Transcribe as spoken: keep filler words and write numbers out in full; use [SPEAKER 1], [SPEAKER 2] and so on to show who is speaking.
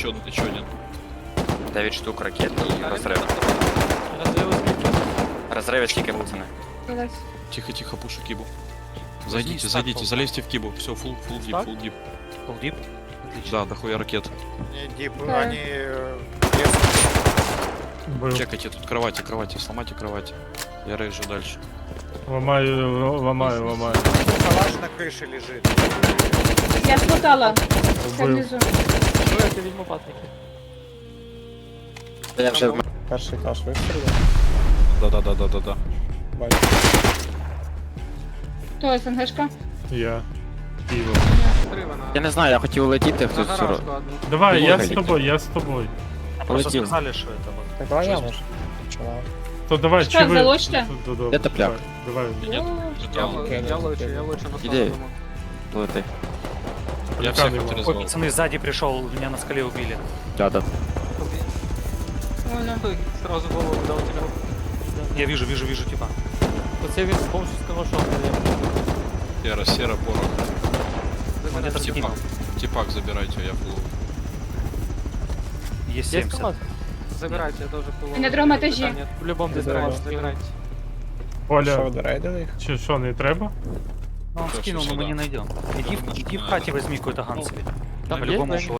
[SPEAKER 1] еще, еще один.
[SPEAKER 2] дев'ять штук ракет и розрив.
[SPEAKER 3] Разрывы сбили.
[SPEAKER 2] Розриви скільки, пацани?
[SPEAKER 4] Давай.
[SPEAKER 1] Тихо, тихо, пушу кибу. Зайдите,
[SPEAKER 3] стак
[SPEAKER 1] зайдите,
[SPEAKER 3] полтора.
[SPEAKER 1] залезьте в кибу. Все, фул, фул дип,
[SPEAKER 3] Стак?
[SPEAKER 1] фул дип.
[SPEAKER 3] Полдип. Отлично.
[SPEAKER 1] Да, дохуя ракет.
[SPEAKER 5] Не, дип,
[SPEAKER 4] Да.
[SPEAKER 5] они... э, лезут.
[SPEAKER 6] Был.
[SPEAKER 1] Чекайте тут кровати, кровати, сломайте кровати. Я рейжу дальше.
[SPEAKER 6] Ломаю, ломаю, ломаю.
[SPEAKER 5] Калаш на крыше лежит.
[SPEAKER 4] Я спутала. Це
[SPEAKER 6] Вбив.
[SPEAKER 4] внизу.
[SPEAKER 3] Ну, я візьму патники.
[SPEAKER 2] Я вже в
[SPEAKER 7] Перший каш вистрілив.
[SPEAKER 1] Да-да-да-да-да-да.
[SPEAKER 7] Бачу.
[SPEAKER 4] Хто СНГшка?
[SPEAKER 6] Я. Пиво.
[SPEAKER 2] Я не знаю, я хотів улетіти, хтось все ро-
[SPEAKER 6] Давай, я з
[SPEAKER 2] Логай.
[SPEAKER 6] тобою, я з тобою.
[SPEAKER 3] Просто
[SPEAKER 2] полетів.
[SPEAKER 3] сказали, що это вот.
[SPEAKER 7] Так давай я можу. Чувак.
[SPEAKER 6] То давай,
[SPEAKER 4] Що,
[SPEAKER 6] чи ви...
[SPEAKER 4] залочте?
[SPEAKER 6] Да, да,
[SPEAKER 2] Де тепляк?
[SPEAKER 6] Давай, давай.
[SPEAKER 1] Нет,
[SPEAKER 3] Я,
[SPEAKER 1] это-
[SPEAKER 3] л- я лучше, я лучше на
[SPEAKER 2] Іди.
[SPEAKER 3] самому.
[SPEAKER 2] Лети.
[SPEAKER 1] Я
[SPEAKER 6] Поликан
[SPEAKER 1] всех
[SPEAKER 6] его.
[SPEAKER 3] Ой,
[SPEAKER 1] отрезал.
[SPEAKER 3] пацаны, сзади пришел, меня на скале убили.
[SPEAKER 2] Да-да.
[SPEAKER 4] Вона.
[SPEAKER 3] Сразу голову дал тебя. Я вижу, вижу, вижу, типа. Оце він з помощью скалашов,
[SPEAKER 1] Сера, сера, порох.
[SPEAKER 3] Где-то
[SPEAKER 1] Типак,
[SPEAKER 3] скинул.
[SPEAKER 1] типак забирайте, я фул.
[SPEAKER 3] Есть семьдесят.
[SPEAKER 8] Забирайте, я тоже пуловый.
[SPEAKER 4] На другому етажі.
[SPEAKER 8] В любом
[SPEAKER 7] Ти
[SPEAKER 8] забирайте,
[SPEAKER 7] забрав.
[SPEAKER 8] забирайте.
[SPEAKER 7] Що,
[SPEAKER 6] Оля,
[SPEAKER 7] ви дорейдили їх?
[SPEAKER 6] чи що, не треба?
[SPEAKER 3] Ну, он
[SPEAKER 1] Всё,
[SPEAKER 3] скинул,
[SPEAKER 1] всё,
[SPEAKER 3] но мы
[SPEAKER 1] да.
[SPEAKER 3] не найдем. Иди, в- иди в хате возьми какой-то ган себе.
[SPEAKER 8] Там
[SPEAKER 3] По-любому
[SPEAKER 8] есть, да?